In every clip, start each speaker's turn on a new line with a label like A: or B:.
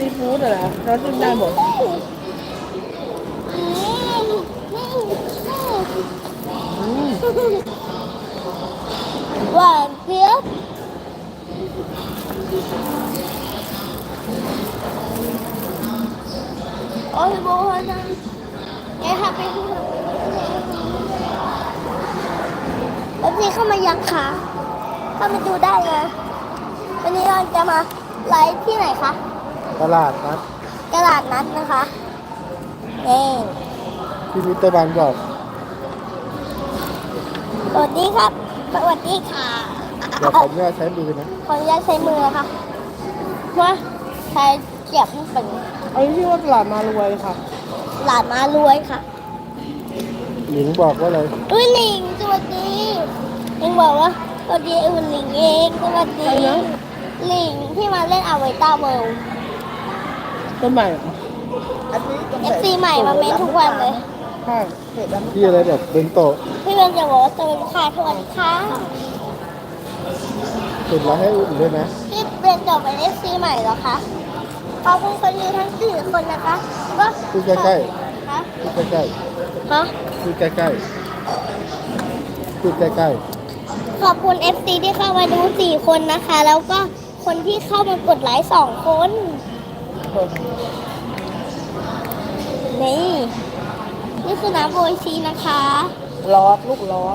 A: ซีฟู้ดเหรอเราจิ้มได้หมด
B: หวานเจี๊ยบโอ้ยโบนะไอ้ค่ะไปดูแล้วพี่เข้ามายังคะเข้ามาดูได้นะวันนี้เราจะมาไลฟ์ที่ไหนคะ
C: ตลาดนัด
B: ตลาดนัดนะคะนี่
C: ที่มิสเตอร์บันบอก
B: สวัสดีครับสวัสดีค่ะ
C: เดี๋ยวผมเนี่ยใช้มือนะ
B: ขออนุญาตใช้มือนะคะว่าใช้เสียบมันเป็น
A: อันนี้ชื่อว่าตลาดมารวยค่ะ
B: หลานมารวยค่ะ
C: หญิงบอกว่าอะไร
B: อุ้ยหลิงสวัสดีหลิงบอกว่าสวัสดีอุ่นหลิงเองสวัสดี
A: ใครนะ
B: หลิงที่มาเล่นอาไวต้าเวิลด์
A: ต้นใหม่เหรอ
B: FC ใหม่มาเม้นทุกวันเลย
A: ใช่
C: ที่อะไรแบบเบนโตะ
B: พี่เบนจะบอกว่าสวัสดีค่ะสวัสดีค่ะ
C: ติดแล้วให้อุ่นด้วยนะ
B: พี่เบนจะเป็น FC ใหม่เหรอคะขอบคุณคนดูทั้ง4คนนะคะก็
C: พูดใกล้
B: ฮะ
C: ๆพูดใกล้
B: ฮะ
C: ๆพูดใกล้ๆพูดใกล้
B: ขอบคุณ FC ที่เข้ามาดู4คนนะคะ แล้วก็คนที่เข้ามากดไลค์2คนนี่คือน้ำโบยชีนะคะ
A: ลอดลูกลอด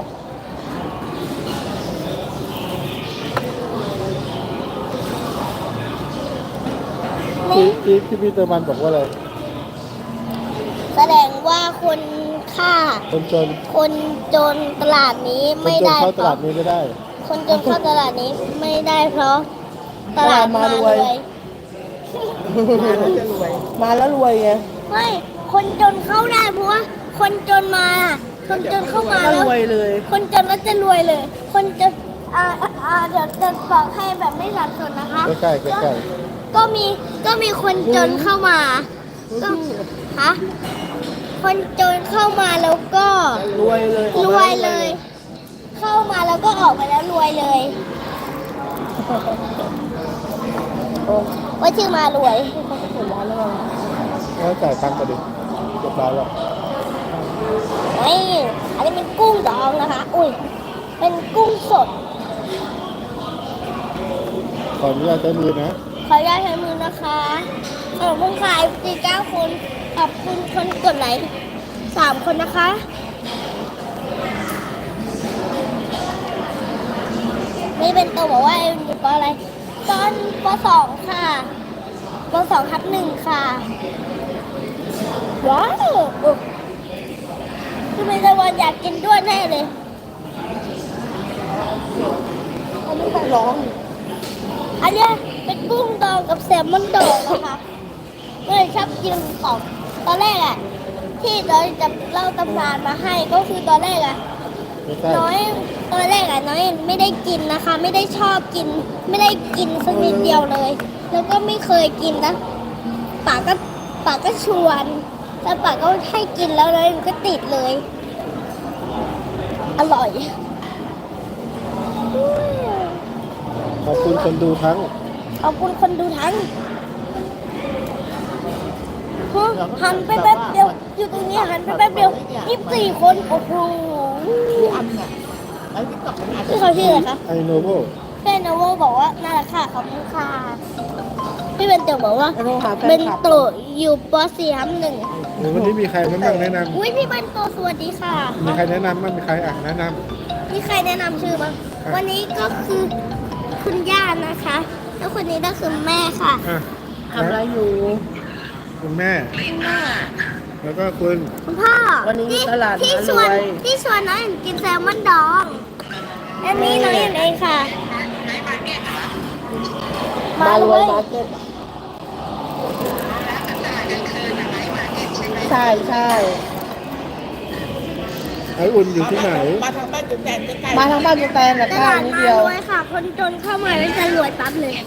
C: ๆ
B: นี่
C: ที่มิสเตอร์บันบอกว่าอะไร
B: แสดงว่าคนฆ่า
C: คนจน
B: คนจนตลาดนี้
C: คน
B: ไม่
C: จน
B: ได้
C: เข้า
B: เพ
C: ตลา
B: ราะ
C: ดนี้ไม่ได้
B: คนจนเข้าตลาดนี้ไม่ได้เพราะตลาดมารวย
A: มาแล้วรวยไง
B: ไม่คนจนเข้าได้เพราะว่าคนจนมา คนจนเข้ามา
A: ก็
B: แล้ว
A: รวยเลย
B: คนจนแล้วจะรวยเลย คนจนเดี๋ยวจะบอกให้แบบไม่สับสนนะคะ
C: ใกล้ๆใกล้
B: ก็มีคนจนเข้ามาก็ฮะคนจนเข้ามาแล้วก็
A: รวยเลย
B: รวยเลย เข้ามาแล้วก็ออกไปแล้วรวยเลยว่าชื่อมารวย
A: เขาจะเปิดร้านแล้วมั้ง
C: ๆแล้วจ่ายตังค์กันดิเรียบร้อยแล้ว
B: นี่อันนี้เป็นกุ้งดองนะคะ อุ้ยเป็นกุ้งสด
C: ขออนุญาตใช้มือนะ
B: ขออนุญาตใช้มือนะคะขอบคุณค่ะ49 คนขอบคุณคนกดไลค์3 คนนะคะนี่เป็นตัวบอกว่าเอ็มอยู่ปอะไรตอนป.2 ค่ะป.2/1 ค่ะว้าวคือเป็นตะวันอยากกินด้วยแน่เลย
A: เขาไม่ต้องร้อง
B: อันเนี้ยเป็นกุ้งดองกับแซลมอนดองนะคะก็เลยชอบกินของตอนแรกอะที่เราจะเล่าตำนานมาให้ก็คือตอนแรกอะ
C: ไม่ใช่
B: น้อยตอนแรกอะน้อยไม่ได้กินนะคะ ไม่ได้ชอบกิน ไม่ได้กินสักนิดเดียวเลย แล้วก็ไม่เคยกินนะป่าก็ชวนแล้วป่าก็ให้กินแล้วเลยมันก็ติดเลย อร่อย
C: ขอบคุณคนดูทั้ง
B: ขอบคุณคนดูทั้งหันไปแป๊บเดียวอยู่ตรงนี้หันไปแป๊บเดียว24 คนโอ้โหพี่เขาชื่ออะไรคะ
C: ไอโนโว
B: พี่โนโวบอกว่าน่ารักค่ะขอบคุณค่ะพี่เบนโตบอกว่า
A: ไอ้โทรหาแฟ
B: เบ
A: น
B: น
A: คลับ
B: โตอยู่ป .4/1
C: หรือวันนี้มีใครบ้างแนะน
B: อุ้ยพี่เบนโตสวัสดีค่ะ
C: ำมีใครแนะนำบ้างมีใครแนะน
B: มีใครแนะนำชื่อบ้างวันนี้ก็คือคุณย่านะคะ แล้วคนนี้ก็คือแม่ค่ะ
C: ำอ่ะ
A: ทำอะไรอยู่
C: คุณแม่
B: คุณแม่
C: แล้วก็คุณ
B: คุณพ่อ
A: วันนี้ตลาด
B: ที่
A: มาร
B: ชวน
A: วย
B: ที่ชวนน้องเอ็นกินแซลมอนดองอันนี้น้องเอ็นเองค่ะ
A: มารวยมาร์เก็ตใช่ใช่
C: ไออุ่นอยู่ที่ไหน
A: มาทางบ้านจุดแตนมาทางบ้านจุดแตนนะ
B: ต
A: ข้า
B: ลาง ด
A: นิด
B: มา
A: เดียว
B: รวยค่ะ คนจนเข้ามาแล้วจะรวยปั๊บเลย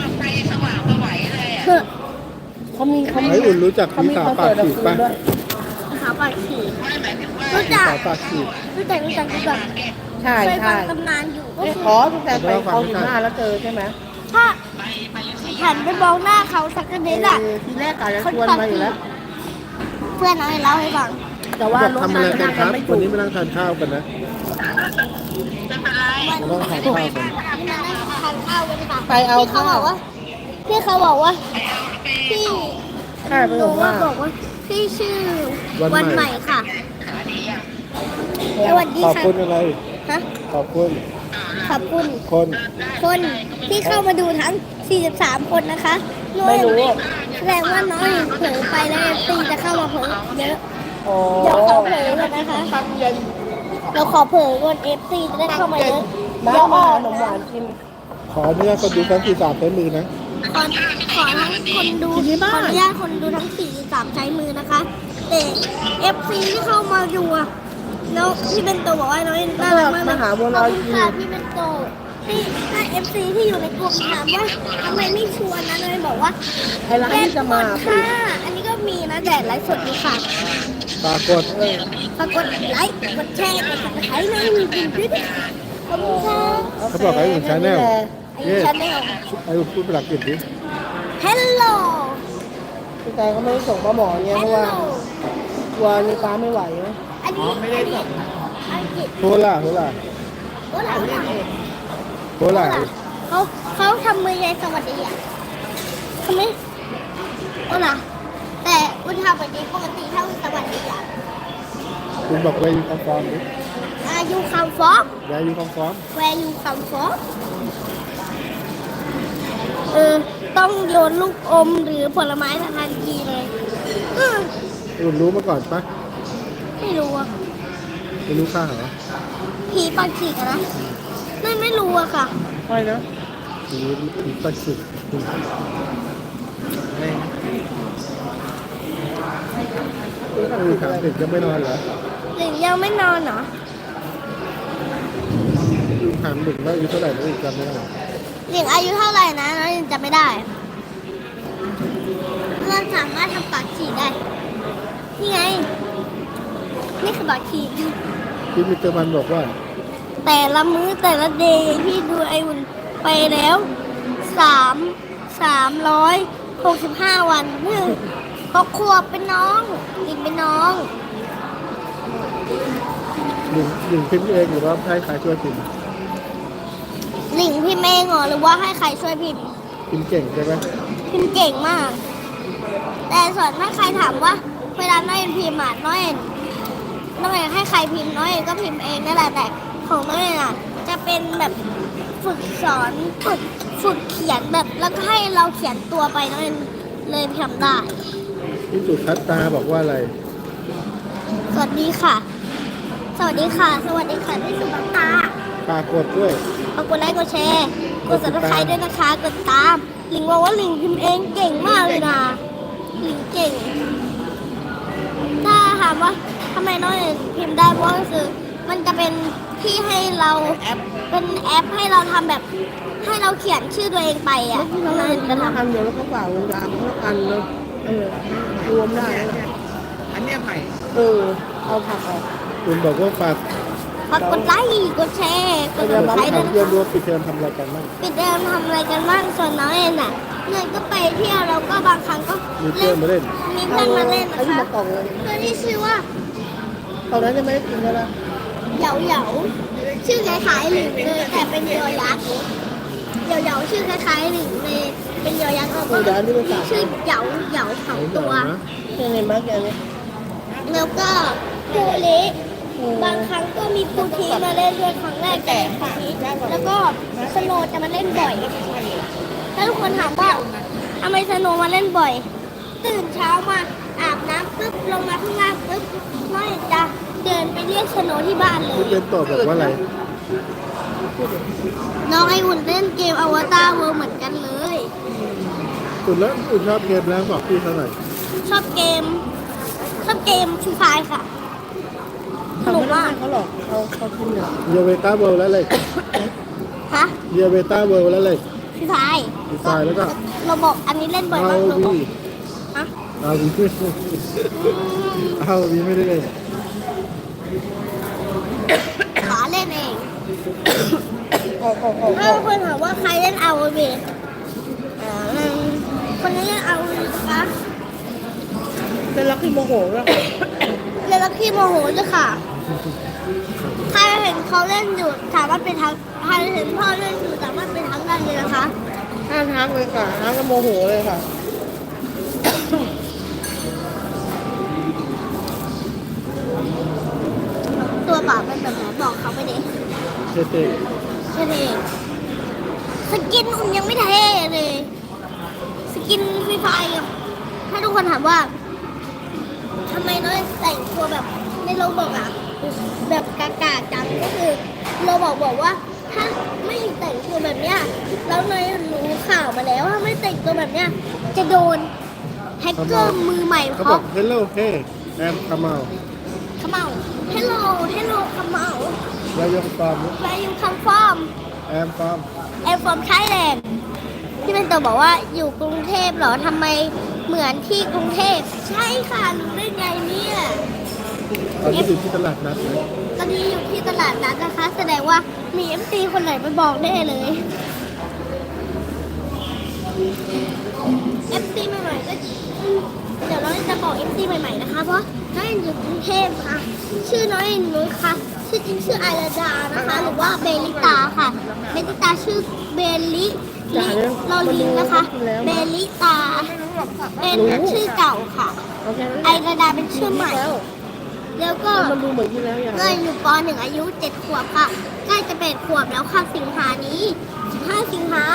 A: เขามี
C: ไออุ่นรู้จัก
A: เขา
C: พี่
A: มี
C: สาว
A: คอน
C: ปาก
A: เสิร์ต
C: ฉีก
A: คื
C: ป่ะ
A: นด้วย
B: ขาวปากฉีกรู้
C: พี่
B: จัก
C: สาวปากฉีก
B: รู้จักรู้จัก
A: ใช่
B: เคยฟั
A: ใช่
B: งตำนานอยู่ก็คือ
A: อ๋อจุดแตนไปเขา15แล้วเจอใช่ไหม
B: ถ้าหันไปมองหน้าเขาสักนิดอ่ะ
A: ทีแรกกะจะชวนมาอยู่แล้ว
B: เพื่อนน้องเล่าให้ฟัง
A: แต่ว่ารถ
C: ทำ
A: มั
C: อะ
A: น
C: ไรกั
A: นั่
C: น
A: ง
C: ค
A: กั
C: รั
A: น
C: บ
A: ไม่
C: วัน
A: ถู
C: นี้
A: ก
C: มานั่งทานข้าวกันนะมานั่งทานข้าวกัน
B: นี่มานั่งทานข้าวกันค่ะ
A: ไปเอา
B: พี่เขา
A: ข้า
B: บ
A: ว
B: อกว่าพี่เขาบอกว่าพี่
A: ใช่ไป
B: ห
A: บ
B: นู
A: อก
B: ว่า
A: ว่า
B: บอกว่าพี่ชื่อวันใหม่ค่ะสวัสดี
C: ขอบ
B: ค่ะ
C: คุณอะไร
B: ฮะ
C: ขอบคุณ
B: ขอบคุณ
C: คน
B: คนที่เข้ามาดูทั้ง 43 คนนะคะน้อย
A: ไม่รู้
B: แสดงว่าน้อยเผลอไปแล้วตีจะเข้ามาเผลอเยอะ
A: อ๋อ
B: เดี๋ยวขอเผลอก่อนนะคะ
A: ทำเย็น
B: เราขอเผลอก่อน FC จะได้เข้ามาเยอะ
A: มา
B: เดี๋ยว
A: มา
B: ออ
A: หาก ขนมหวานกิน
C: ขออนุญาตคนดูทั้ง43ใช้มือนะ
B: ขอทั้งคนดู
A: ที่
B: ข
A: บ้า
B: อน อนุญาตคนดูทั้ง 43 ใช้มือนะคะแต่ FC ที่เข้ามาดูอะน้องพี่เป็นโตบอกว่าน้องน่ารักมากเลย
A: มาหาบัวลอยกิน
B: ขบคุณค่ะพี่เป็นโตที่ถ้า FC ที่อยู่ในกลุ่มถามว่าทำไมไม่ชวนนะน้อยบอกว่า
A: ไอ้ร้านที่จะมา
B: แค่ค่ะอันนี้ก็มีนะแต่ไลฟ์สดดีค่ะ
C: ปรากฏ
B: ฝากกดไลค์กดแชร์กดติดตามในมีกลุ่มด้วยนะคะขอบคุณค่ะ
C: เขาบอกให้อุ่นชาแนล
B: ไอ้ชาแนล
C: ไอ้พูดภาษาอังกฤษดิ
B: Hello
A: พี่แต่เขาไม่ได้ส่งปลาหมอเนี่ยเพราะว่า
B: Hello
A: กลัวมีป้าไม่ไหวนะ
B: อันนี้ไม่ได้ส่งอังกฤษ
C: โทล่าโทล่า
B: โอ้หลาน
C: โทล่า
B: เขาทำมือไงสวัสดีอ่ะทำไมโอ้ล่ะแต่อุทาแบบนี้ปกติถ้าสวัสดีอ่ะ
C: คุณบอกว่าอยู่คอมฟอร์มดิ
B: you come from
C: ยายอยู่คอมฟอร์ม
B: where you come from ต้องโยนลูกอมหรือผลไม้ทันทีเลยอืม
C: คุณรู้มาก่อนปะ
B: ไม่รู้อะ
C: ไม่รู้ข้าเหรอ
B: ผีปากฉีกอะนะไม่รู้อะค่ะ
A: ไม่นะ
C: ผีปัสสุดถามเด็กยังไม่นอนเหรอ
B: หรือยังไม่นอนเหรอ
C: ถามเด็กว่าอายุเท่าไหร่แล้วอีกจำไม่ได้
B: หลิงอายุเท่าไหร่นะน้องยังจำไม่ได้เราสามารถทำปากฉีกได้ นี่ไง นี่คือปากฉีก
C: พี่มิสเตอร์มันบอกว่า
B: แต่ละมื้อแต่ละเดย์พี่ดูไออุ่นไปแล้ว365 วัน6 ขวบเป็นน้องหลิงเป็นน้อง
C: หญิงพิมพ์เองหรือว่าให้ใครช่วยพิมพ์
B: หลิงพี่เมงเหรอหรือว่าให้ใครช่วยพิมพ์
C: พิมพ์เก่งใช่ไหม
B: พิมพ์เก่งมาก แต่ส่วนถ้าใครถามว่าเวลาน้อยเอ็นพิมพ์อ่ะน้อยเอ็นให้ใครพิมพ์น้อยเอ็นก็พิมพ์เองนั่นแหละแต่ของน้อยเอ็นอ่ะจะเป็นแบบฝึกสอนฝึกเขียนแบบแล้วก็ให้เราเขียนตัวไปน้อยเอ็นเลยทำได้
C: พี่สุทัศตาบอกว่าอะไร
B: สวัสดีค่ะ สวัสดีค่ะ สวัสดีค่ะที่สุบังตา
C: ปรากฏด้วย
B: ขอบกดไลค์กดแชร์กด subscribe ด้วยนะคะกดตามหลิงบอกว่าหลิงพิมพ์เองเก่งมากเลยนะหลิงเก่ง ถ้าถามว่าทำไมน้องเอ็นพิมพ์ได้เพราะก็คือมันจะเป็นที่ให้เราเป็นแอปให้เราทำแบบให้เราเขียนชื่อตัวเองไปอ่ะ
A: ที่น้อง
B: น้อง
A: เล่
B: เอ็
A: น
B: น
A: กั
B: จะ
A: น
B: ทำ
A: ทำเดี๋ยวแล้วก็ฝากเวลาทั้งอันเลยรวมได้อันนี้ใหม่เอาผักออก
C: คุณบอกว่าฝาก
B: ฝากกดไลค์กดแชร์กด
C: เรียน
B: subscribe ด้วย
C: เรียน
B: นะ
C: รู้
B: คะ
C: ปิดเทอมทำอะไรกันบ้าง
B: ปิดเทอมทำอะไรกันบ้างส่วนน้องเอ็นอ่ะเงินก็ไปเที่ยวแล้วก็บางครั้งก็
C: มีเพื่อนมาเล่น
B: มีเพื่อนมาเล่น
A: ไอ้
B: นะ
A: ที่
B: คะ
A: มากล่องเลย
B: เพื่อนที่ชื่อว่า
A: ตอนนั้นยังไม่ได้กินเลยนะ
B: เหยาชื่อคล้ายๆหลิงเลยแต่เป็นยอยักษ์เหยาชื่อคล้ายๆหลิงเลยเป็นยอยักษ์แล้วก็
A: เดี๋ยวอันนี้ไปฝาก
B: ชื่อเหยาเผาตัว
A: เพื่อนในมาร์กอย่างนี้
B: แล้วก็ปูเละบางครั้งก็มีปูทีมาเล่นด้วยครั้งแรกแต่ครั้งนี้แล้วก็สโนว์จะมาเล่นบ่อยถ้าทุกคนถามว่าทำไมสโนว์มาเล่นบ่อย ตื่นเช้ามาอาบน้ำปุ๊บลงมาข้างล่างปุ๊บน้อยจะเดินไปเรียกสโนว์ที่บ้านเล
C: คุณ
B: ย
C: เรียนต่อบอกว่าอะไร
B: น้องไออุ่นเล่นเกมอวตารเวิลด์เหมือนกันเลย
C: คุณแล้วคุณชอบเกมแล้วบอกพี่เขาหน่อย
B: ชอบเกมฟรีไฟค่ะส
A: เขา
B: นุก
A: ไม่ได้
B: มาก
A: เขาหรอกเขากินเนี่ย
C: เยเวต้าเวิลด์แล้วเลย
B: ฮะ
C: เยเวต้าเวิลด์แล้วเลย
B: ฟรีไฟ
C: ดีไซน์แล้วก็
B: เราบอกอันนี้เล่นบ่อย
C: เอา
B: มากเราบอก
C: วี
B: ฮะ
C: เอาวีเอาวีไม่ได้เลย
B: ขาเล่นเอง
A: ออก
B: ถ้าคนถามว่าใครเล่นเอาเวคนนี้เอานะคะ
A: เป็นรักที่โมโหแล้ว
B: เรือลักขี้โมโหจ้ะค่ะใครเห็นเขาเล่นอยู่สามารถเป็นทางใครเห็นพ่อเล่นอยู่สามารถเป็นทางได้เลยนะคะ
A: ห้ามทักเลยค่ะทักก็โมโหเลยค่ะ
B: ตัวเปล่าเป็นแบบไหนบอกเขาไปดิ
C: เท่
B: ใช่เลยสกินอุ่นยังไม่เท่เลย สกินฟรีไฟร์ถ้าทุกคนถามว่าทำไมน้อยแต่งตัวแบบในโรบอกอะแบบกากาจังก็คือโรบอกว่าถ้าไม่แต่งตัวแบบเนี้ยแล้วน้อยรู้ข่าวมาแล้วว่าไม่แต่งตัวแบบเนี้ยจะโดนแฮกเกอร์มือใหม่
C: ๆเขา
B: เขา
C: บอก hello hey I'm Kamal
B: ขมเอาเฮลโลขมเอา
C: Where you from
B: Where you come from
C: I'm from
B: I'm from Thailand ที่เป็นตัวบอกว่าอยู่กรุงเทพเหรอทำไมเหมือนที่กรุงเทพใช่ค่ะรู้ได้ไงเนี่ย
C: ตอนนี้อยู่ที่ตลาดนัดนะ
B: ตอนนี้อยู่ที่ตลาดนัดนะคะ แสดงว่ามี FC คนไหนไปบอกได้เลย FC ใหม่ๆก็เดี๋ยวน้องจะบอก FC ใหม่ๆนะคะ เพราะน้องเอ็นอยู่กรุงเทพค่ะ ชื่อน้องเอ็นนุ้ยค่ะ ชื่อจริงชื่อไอราดานะคะ หรือว่าเบลิตาค่ะ เบลิตาชื่อเบลิลอลิงนะคะ เบลิตา เป็นชื่อเก่าค่ะ
A: โอเค
B: ไอราดาเป็นชื่อใหม่ แล้วก็
A: มันดูเหมือนที่แล้วอย่าง
B: เงินอยู่ป .1 อายุ 7 ขวบค่ะ ใกล้จะ8 ขวบแล้วค่ะสิงหานี้ 15 สิงหา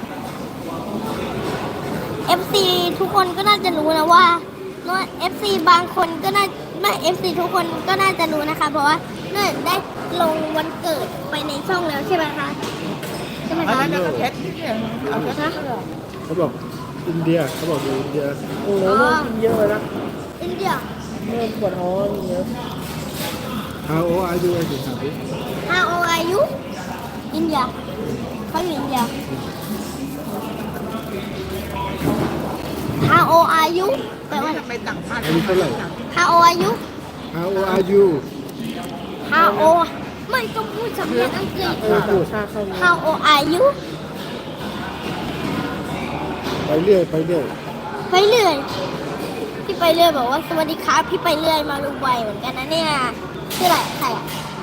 B: FC ทุกคนก็น่าจะรู้นะว่า FC บางคนก็น่าไม่ FC ทุกคนก็น่าจะรู้นะคะ เพราะว่าเนื่อได้ลงวันเกิดไปในช่องแล้วใช่ไหมคะ ใช่ไหม
A: อัน
B: คะ
A: นั้นก็เพชรเนี่ยเอาเพชรนะ
C: เขาบอกอินเดียเขาบอกอยู่อินเดีย
A: โอ้โหกินเยอะนะ
B: อินเดีย
A: เริ่มปวดท้องอย่างเงี้ย
C: How old are you ไอ้ถึงถามดิ
B: How old are you อินเดียเขาอยู่อินเดีย How old are you แปลว่า
A: ทำไมต่างชาติ
C: อายุเท่าไหร่
B: How old are you
C: How old are you
B: How old ไม่ต้องพูดสำเนียงอังกฤษ
A: ต่างชาติเข้ามา
B: How old are you
C: ไปเรื่อยไปเรื่อย
B: ไปเรื่อยพี่ไปเรื่อยบอกว่าสวัสดีครับพี่ไปเรื่อยมาดูไวเหมือนกันนะเนี่ยชื่ออะไรใครอ่ะ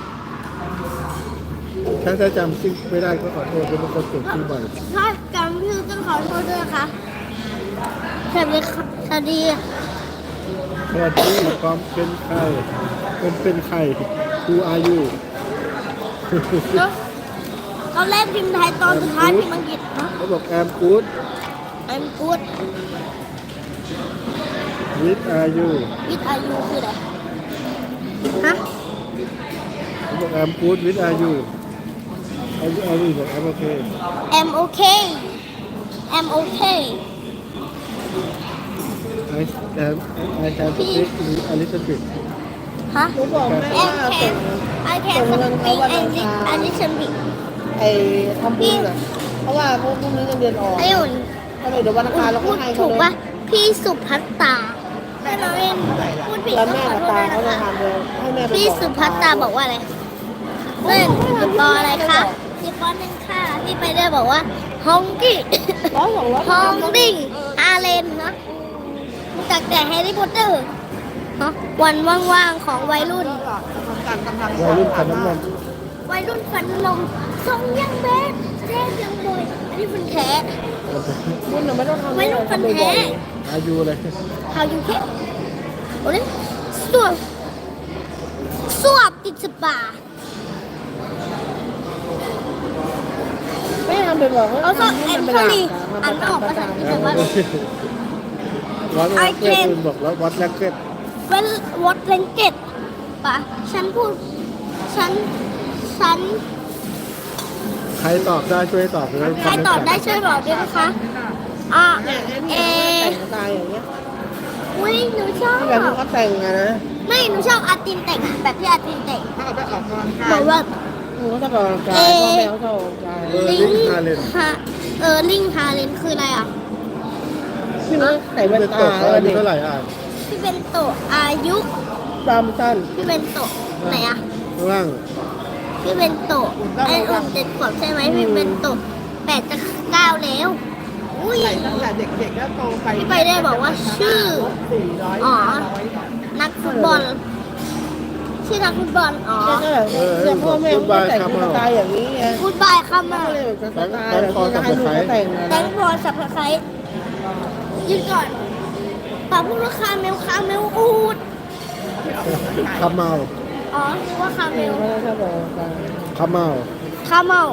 C: ถ้าจำชื่อไม่ได้ก็ขอโทษเป็นคนเก่งชื่อบ่อย
B: ถ้าจำชื่อต้องขอโทษด้วยนะคะสวัสดีค่ะสวัสดี
C: สวัสดีความเป็นใครเป็นใคร Who are you
B: แล้วตอนแรกพิมพ์ไทยตอนสุดท้ายพิมพ์อังกฤษนะ
C: เขาบอก I'm good
B: I'm good
C: With are you
B: with are you คืออะไรฮะ
C: เขาบอก I'm good With are you are you บอก I'm okay
B: I'm okay I'm okay
C: I can speak a little bit
B: ฮะ
A: หนูบอกแม่ว่า
B: I can speak English a little bit
A: ไอ้ทำบุญอ่ะเพราะว่าพวกนี้เงินเดือนออก
B: ไอ้อุ่น
A: ถ้าเดี๋ยววันอังคารเราก็ให้เขา
B: ถูก
A: เลย
B: ปะพี่สุภัตตาแม่น้อยเองพูดผิด
A: แล้ว
B: ต้อง
A: แม่
B: ขอ
A: กับ
B: โทษ
A: ตา
B: ด้วย
A: เขา
B: นะ
A: จะ
B: คะ
A: ทำเลยให้แม่ไป
B: พี่
A: บอก
B: สุภัตตาบอกว่าอะไรเล่นอยู่ปออะไรคะอยู่ปอหนึ่งค่ะพี่ไปเรื่อยบอกว่าฮองกี้
A: 100 200
B: ฮองดิ้งอาเลนนะรู้จักแต่แฮร์รี่พอตเตอร์ฮะวันว่างๆของวัยรุ่น
C: วัยรุ่นขันน้ำมัน
B: วัยรุ่นฝันลมทรงยังแบดแท้ยังบอยอันนี้ฟันแท้
A: คุณน่ะไม่ต้องทำ
B: วัยรุ่นฟันแท้
C: อายุอะไร
B: How you get โอ้ยสวบติดสปา
A: ไม่ทำเป็นบอก
B: เอาสอบแอนโทนีอ่านไม่ออกภาษาอังกฤษแต่ว่า
C: วัดแรกเก็ตคุณบอกแล้ววัดแรกเก็ต
B: เวนวอตเลนเกตปะฉันพูดฉัน
C: ใครตอบได้ช่วยตอบเลย
B: ใครตอบได้ช่วยบอกด้วยนะคะอ่ะ
A: เนี่ยไอ้
B: เอ
A: นี่แต่งตายอย่างเงี้ย
B: อุ้ยหนูชอบ
A: ที่แบบที่เขาแต่งอะนะ
B: ไม่หนูชอบอาตินแต่งแบบที่อาตินแต่ง
A: ถ้าเอาไปออกกำลัง
B: บ
A: กา
B: อย กว่า
A: หนูก็ต้องออกกำลังกายพ่อแม่เขาต้องออกกำลังกาย
B: ลิง
C: ฮาเลน
B: ฮะลิงฮาเลนคืออะไรอ่ะ
A: พี่น้องใส่แว่น
C: เป็น
A: ตา
C: ตอบเขาอายุ
A: เด็ก
C: เท่าไหร่อ่ะ
B: พี่เป็นโตะอายุ
A: ดำสั้น
B: พี่เป็นโตะไหนอ่ะ
C: ข้างล่าง
B: พี่เป็นโตะไอ้อุ่น7 ขวบใช่ไหมพี่เป็นโตะ8 จะ 9แล้วอุ้ย
A: ใส่ตั้งแต่เด็กๆแล้วโตไป
B: พี่ไปได้บอกว่าชื่อ
A: 400
B: อ๋อ
A: 500
B: นักฟุตบอล ชื่อนักฟุตบอล อ๋อ
A: เนี่ยพ่อแม่เขาแต่งสไตล์อย่างนี้ไง
B: ฟุตบอลเข้ามา
A: ก็เลยแบบสไตล์แบบที่ให้ลูกเขาแต่งนะ
B: แตงโมสับตะไคร้ยืนก่อนป่าพูดว่าคาเมลอูด
C: คาเมา
B: อ๋อนึกว่าคาเม
A: เออ
B: ล
A: เขาเลยชอบบอกกัน
C: คาเมา
B: คาเมล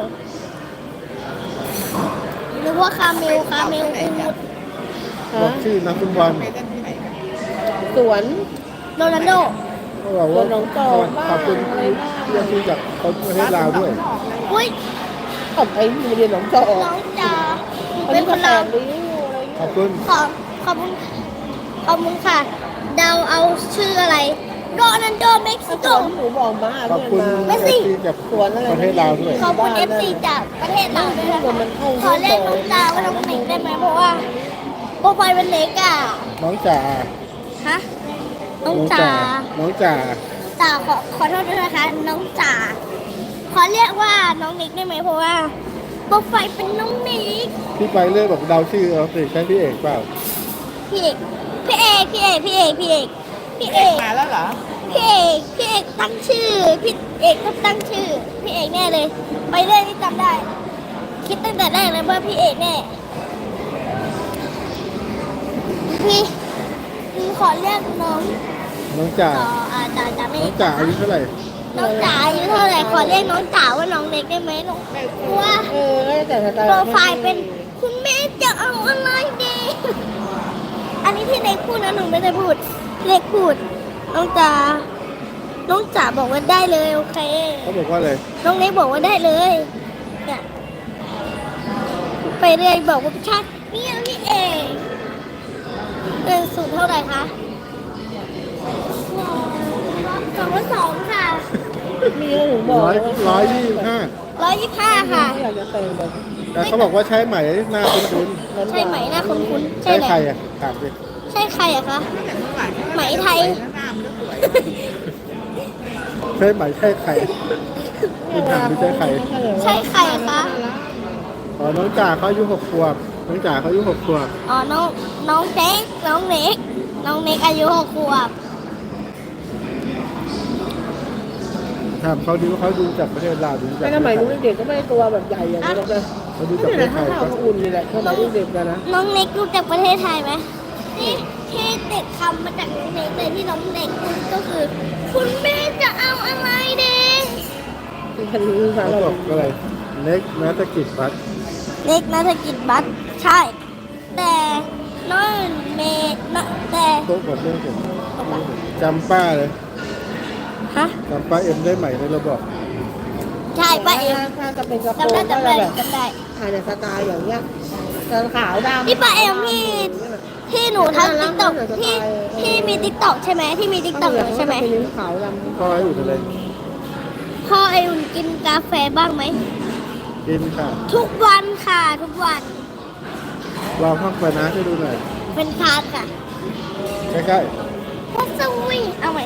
B: นึกว่าคาเมลอูด
C: บอกชื่อนักฟุตบอล
A: ไปเล่นที่ไหนกันสวน
B: โรนัลโด
C: เขาบอกว่า
A: น้องโตบ้าง
C: ขอบคุณ
A: อะไรบ้าง
C: ที่ซื้อจากคนประเทศลาวด้วย
B: อุ้ย
A: ขอบไอ้โรงเรียนหนองจอก
B: น้องจ๋าหนู
A: อัน
B: เป็
A: นี้
B: นค
A: ก็
B: น
A: แป
B: ลาว
A: ดริ้วอะไร
C: ขอบคุณ
B: ขอบคุณค่ะ เดาเอาชื่ออะไร โรนัลโดเม็กซิโก
A: หนูบอกมา
C: ขอบคุณ
B: ไม่สิ
C: ที่จาก
A: สวนอะไร
C: ประเทศลาวด้วย
B: ขอบคุณ FC จากประเทศเราด้วยนะคะขอเรียกน้องจ๋าว่าน้องเน็กได้ไหมเพราะว่าโปรไฟล์เป็นเล็กอ่ะ
C: น้องจ๋า
B: ฮะ น้องจ๋า
C: น้องจ๋า
B: จ๋าขอโทษด้วยนะคะ น้องจ๋า ขอเรียกว่าน้องเน็กได้ไหมเพราะว่าโปรไฟล์เป็นน้องเน็ก
C: พี่ไปเรื่อยบอกเดาชื่อเอาสิใช่พี่เอกเปล่า
B: พี่เอกพี่เอก
A: มาแล้วเหรอ
B: พี่เอกตั้งชื่อ พี่เอกก็ตั้งชื่อ พี่เอกแน่เลย ไปเรื่อยที่จำได้ คิดตั้งแต่แรกเลยว่าพี่เอกแน่ พี่ขอเรียกน้อง
C: น้องจ๋า
B: จ๋าไม่
C: น้องจ๋าอายุเท่าไหร่
B: น้องจ๋าอายุเท่าไหร่ขอเรียกน้องจ๋าว่าน้องเล็กได้ไหมน้องว่า
A: เออก็แต่สไตล์
B: โปรไฟล์เป็นคุณแม่จะเอาอะไรดี อันนี้ที่เล็กพูดนะหนูไม่ได้พูด เล็กพูด น้องจ๋าบอกว่าได้เลยโอเค
C: เขาบอกว่าอะไร
B: น้องเล็กบอกว่าได้เลยเนี่ยไปเรื่อยบอกว่าชัดเนี่ยพี่เองเงินสูงเท่าไหร่คะ2,200ค่ะ
A: มีแล้วหนูบอก
C: 125
B: 125 ค่ะ
A: อยากจะแต่งแบบ
C: แต่เขาบอกว่าใช้ไหมหน้าคุ้น
B: ใช่ไหมหน้าคุ้น
C: ๆ
B: ๆ
C: ใช้
B: ไหม
C: ใครอ่ะถามดิ
B: ใช่ใครอะคะ ไหมไทย
A: หน้ามันก็สวย
C: ใช้ไหมใช่ใครคุณถามดิใช่ใคร
B: ใช่ใครอะคะ
C: อ๋อน้องจ๋าเขาอายุ6 ขวบน้องจ๋าเขาอายุ6 ขวบ
B: อ๋อ น้องเน็กน้องเน็กอายุ6 ขวบ
C: ถามเขาดูว่าเขาดูจากประเทศลาวดูจาก
A: ไม่สมัยนู้นเด็กก็ไม่ได้ตัวแบบใหญ่อย่างนี้หรอกนะ
C: เขาดู
A: นี่
C: จากประ
A: แห
C: เท
A: ละ
C: ศไท
A: ข้าวย เขาอุ่นนี่แหละสมัยเด็กกันนะ
B: น้องเน็กรู้จักประเทศไทยไหมที่ติดคำมาจากน้องเน็กเลยที่น้องเน็กพูดก็คือ คุณแม่จะเอาอะไรเด็ก
A: พันธุ์ภาษา
C: เขา
A: เรา
C: บอกอะไรเล็กนักกิจบัตร
B: เน็กนักกิจบัตรใช่ แต่น้องเมย์แต่
C: โต๊ะหมดเรื่องผมจำป้าเลย
B: ฮะ
C: จำป้าเอ็มได้ไหมในระบอก
B: ใช่ป้าเอ็ม
A: ถ้าจะเป็นกระโปร
B: จำ
A: ง
B: ได้
A: ก็
B: จำ
A: จะ
B: ได้
A: แบบ
B: จำได้
A: อาจจะสไตล์อย่างเงี้ยแต่ขาวดำ
B: นี่ป้าเอ็มที่หนูทำติ๊กต็อกที่มีติ๊กต็อกใช่ไหมที่มีติ๊กต็อกใช่ไหม
A: เป็นนิ้วขาวดำ
C: พ่อให้อยู่ทะเล
B: พ่อไออุ่นกินกาแฟบ้างไหม
C: กินค่ะ
B: ทุกวันค่ะ ทุกวัน
C: ลองห้องไปนะให้ดูหน่อย
B: เป็นคาร์ดค่ะ
C: ใกล้
B: พุทธวิเอาใหม่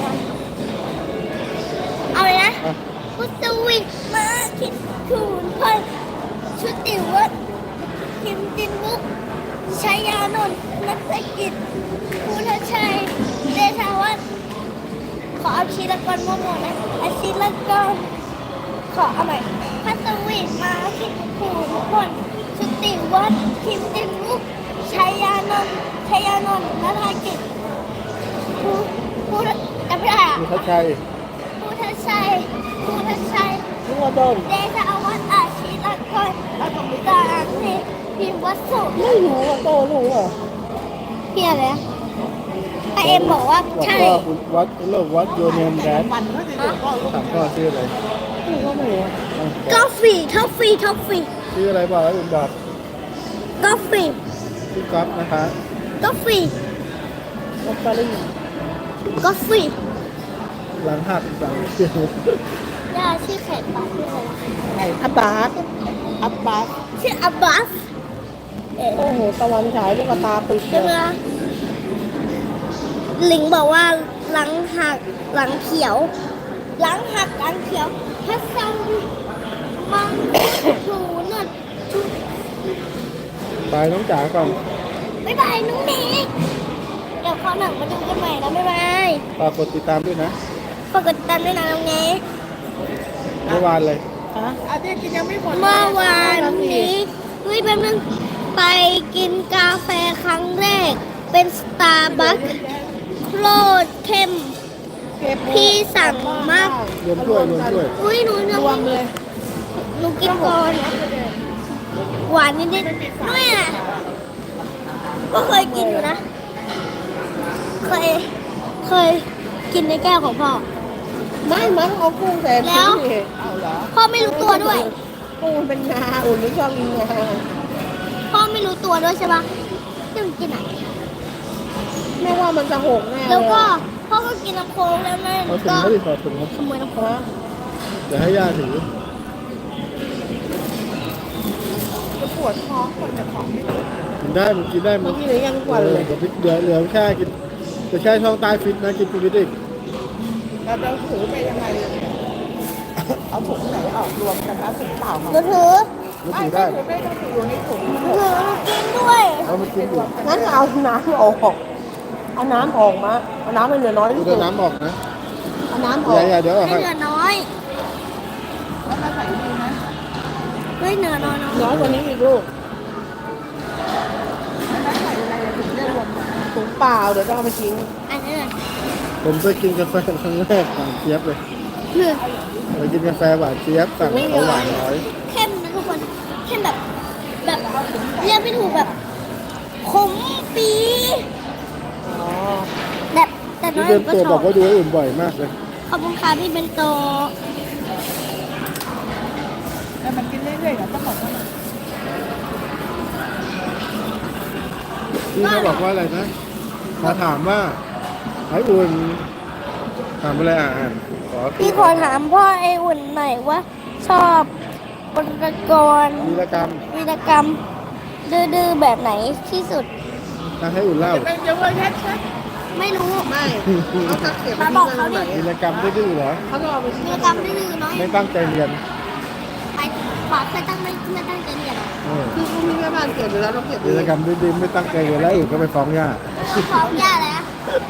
B: เอาเลยนะ
C: ๆอ่ะ
B: พุทธวิมาคิดคูณพันชุติวัฒน์คิมจินวุกชัยยานนท์นักกิจภูทชัยเดชาวัฒน์ขอเอาชีละกรมั่วๆนะอาชีละกรขอเอาใหม่พัทวีมาคิดคูณพันชุติวัฒน์คิมจินวุกชัยยานนท์นักกิจภูทจำไม่ได้อะ
C: มีทัชชัย
B: ภูทชัย
A: นึกว่าต้น
B: เดชาวัฒน์อาชีละกรกาอังเทพิมพ์วัสสุ
A: ไม่รู้ว่าโตรู้เหรอ
B: เพี้ยอะไรนะแต่เอ็มบอกว่า
C: บอก
B: ใช่
C: ว่าวัดโลกวัดโยเนียมแดน
A: วันก็จะอยู่ก็ลูก
C: ถามพ่อชื่ออะไร
A: หนูก็ไม่รู้
C: อ่ะ
B: กาแฟท็อฟฟี่
C: ชื่ออะไรบอกแล้วคุณบอก
B: กาแฟ
C: ชื่อก๊อฟนะคะ
B: กาแฟ
A: ลอตเตอรี่
B: กาแฟ
C: หลังหักหลัง
B: ย่าชื่อแขกปาชื่ออะไร
A: ไอ้อับบาสอับบาส
B: ชื่ออับบาสเอ๊ะ
A: โอ้โหตะวันฉายลูกตาปิดเล
B: ใช่ไหม
A: ย
B: ลิงบอกว่าหลังหักหลังเขียวถ้าซ้ำมังถูนด
C: บายน้องจ๋าก่อน
B: บ๊ายบายน้องเน็กเดี๋ยวคราวหนังมาดูกันใหม่นะบ๊ายบาย
C: ฝากกดติดตามด้วยนะ
B: ฝากกดติดตามด้วยนะน้องเน็ก
C: เมื่อวานเลย
A: ฮะอาทิตย์กินยังไม่หมด
B: เมื่อวานนี้เฮ้ยแป๊บนึงไปกินกาแฟครั้งแรกเป็นสตาร์บัคโคตรเข้ม
A: เก็บ
B: พี่สั่งมาก
C: รวมด้วยรวมด้วย
B: อุ้ยหนูยัง
A: รวมเลย
B: หนูกินก่อนหวานนิดๆด้วยอ่ะก็เคยกินอยู่นะ เคยกินในแก้วของพ่อ
A: ไม่มั้งเอากุ้งแต่
B: แล้ว
A: พี่เอาเหรอ
B: พ่อไม่รู้ตัวด้วย
A: กุ้งมันเป็นงาอุ่นไม่ชอบกินงา
B: พ่อไม่รู้ตัวด้วยใช่ปะที่มันกินอ่ะ
A: แม่ว่ามันจะหกแน่
B: แล้วก็พ่อก็กินน้ำโค้กแล้วนั่น
C: เอาถุง
B: ก็
C: ไม่ได้ขอถุงครับ
B: ขโมยน้ำโค้ก
C: เดี๋ยวให้ย่าถือ
A: จะปวดท้องคนจะของไม่ได้
C: กินได้มันกินได้มั
A: เมื่อน กี้เลยยังกว่าเลย
C: เดี๋ยวเหลือแค่กินจะแค่ช่องใต้ฟิตนะกินฟิตอีก
A: เราจะถือไปยังไงเอาถุงไหนออกรวมกันนะถุงเปล่า
B: ห
A: มา
B: นูถือ
C: รู้
A: ไม่
C: สึก
A: ได้
C: ได้
A: ถือไม่ต้องถืออยู่ในถุง
B: หนูถือกินด้วย
C: เอามากินอยู่
A: งั้นเอาน้ำออกเอาน้ำออกมาเอาน้ำให้เหลือน้อย
C: ดู
A: ที่
C: แต่
A: สุด
C: น้ำออกนะ
A: เอาน้ำออก
C: อย่าเดี๋ยวออก
B: ให้
C: ให้
B: เหลือน้อย
A: แล้วมาใส่ดีนะ
B: เฮ้ยเหลือน้อยน้อย
A: น้อยกว่านี้อีกลูกแล้วใส่อะไรถุงเรียกรวมถุงเปล่าเดี๋ยวต้องเอาไปทิ้ง
B: อันนี้เลย
C: ผมไปกินกาแฟครั้งแรกหวานเจี๊ยบเลย
B: หนึ่ง
C: ไปกินกาแฟหวานเจี๊ยบสั่งเอาหวานน้อย
B: เข้มนะทุกคนเข้มแบบเรียกไม่ถูกแบบขมปี
A: อ๋อ
B: แบบแต่น้
C: พี่
B: อย
C: เบน
B: ก็
C: โต
B: ช
C: บ
B: อ
C: อบ กว่าดูให้อุ่นบ่อยมากเลย
B: ขอบคุณค่ะพี่เบนโต
A: แต่มันกินเรื่อยๆนะต้องบอกว่ามัน
C: พี่เขาบอกว่าอะไรนะมาถามว่าไอ้อุ่นถามอะไรอ่านขอ
B: พี่ขอถามพ่อไออุ่นหน่อยว่า ชอบบนตะกร
C: วีรกรรม
B: วีรกรรมดื้อๆแบบไหนที่สุด
C: ถ้าให้อุ่นเล่า
A: เป็นเยอะแยะชัด
B: ไม่รู้
A: ไม่เขาจะเก็บ
B: มาบอกเขาดิ
C: วีรกรรมดื้อๆเหรอ
A: เขาต้องเอาไป
B: วีรกรรมดื้อๆน้อย
C: ไม่ตั้งใจเรียน
B: ไปฝากเคยตั้งไม่ตั้งใจเรียนเหรอ
C: เออ
A: คือพี่แม่บ้านเก็บอยู่แล้วเราเก็บ
C: วีรกรรมดื้อๆไม่ตั้งใจเรียนแล้วอุ่นก็ไปฟ้องย่า
B: ฟ้องย่าแล้ว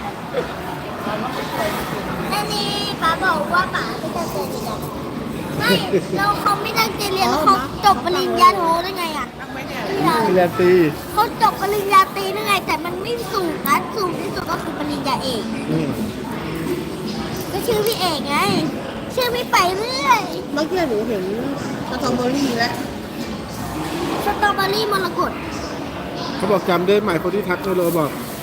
B: อันนี้ป้าบอกว่าป้าไม่ตั้งใจเรียนไม่แล้วเขาไม่ตั้งใจเรียนแล้วเขาจบปริญญาโทได้ไงอ่ะ
A: ตั้งไว้เนี่ย
C: เรียนตี
B: เขาจบปริญญาตรีได้ไง แต่มันไม่สูงนะสูงที่สุดก็คือปริญญาเอก
C: อืม
B: ก็ชื่อพี่เอกไง ชื่อพี่ไปเรื่อย
A: เมื่อกี้หนูเห็นสตรอเบอรี่แล้ว
B: สตรอเบอรี่มรกต
C: เขาบอกจำได้ไหมคนที่ทักเราบอก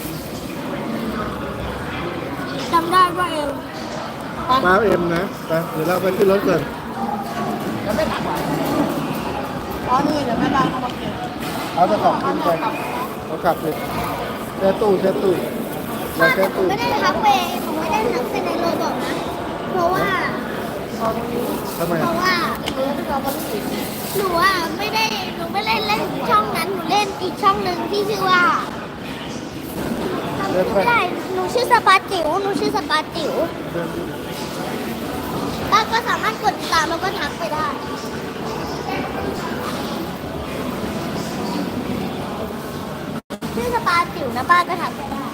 B: จำได้ว่าเอว
C: ป้าเอ็มนะไปเดี๋ยวเราไปขึ้นรถก่อน
A: แล้วไม่ตักหวานอ๋อนี่เดี๋ยวแม่บ้านเขามาเก็บ
C: เอาตะขอบขึ้นไปเอากลับเลยแช่ตู้เรา
B: พ่อ
C: แช่
B: แต่ผม
C: ตู้
B: ไม่ได้ทักไปผมไม่ได้ทักไปในโรบอกนะ เพราะว่า
C: ทำไม
B: เพราะว่า
A: เออสตรอเบอรี่
B: หนูอ่ะไม่ได้หนูไม่ได้เล่นช่องนั้นหนูเล่นอีกช่องหนึ่งที่ชื่อว่าจำไม่ได้หนูชื่อสปาจิ๋วหนูชื่อสปาจิ๋วป้าก็สามารถกดติดตามแล้วก็ทักไปได้ชื่อสปาจิ๋วนะป้าก็ทักไปได้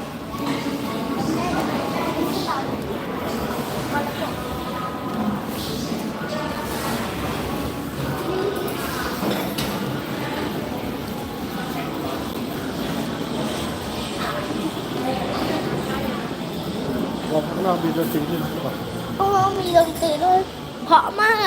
C: เราข้างนอกมีดนตรีที่ไหนบอก
B: เพราะว่ามีดนตรีด้วยเพราะมาก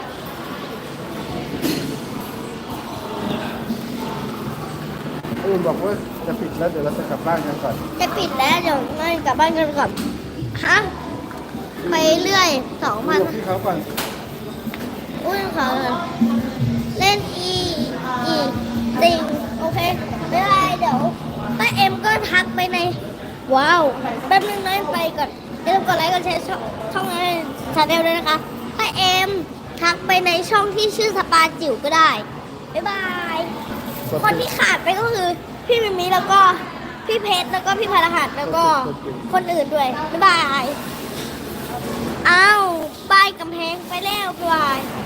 C: อุ่นบอกว่าจะปิดแล้วเดี๋ยวเราจะกลับบ้านกันก่อน
B: จะปิดแล้วเดี๋ยวงั้นกลับบ้านกันก่อนฮะไปเรื่อย2,000
C: พี่เขาก่อน
B: อุ้ยเขาเล่นติงโอเคไม่เป็นไรเดี๋ยวป้าเอ็มก็ทักไปในว้าวแป๊บนึงนะไปก่อนอย่าลืมกดไลค์กดแชร์ช่องนั้นชาแนลด้วยนะคะป้าเอ็มทักไปในช่องที่ชื่อสปาจิ๋วก็ได้บ๊ายบายคนที่ขาดไปก็คือพี่มิมิแล้วก็พี่เพชรแล้วก็พี่พลหัสแล้วก็คนอื่นด้วยบ๊ายบายอ้าวป้ายกำแพงไปแล้วบ๊ายบาย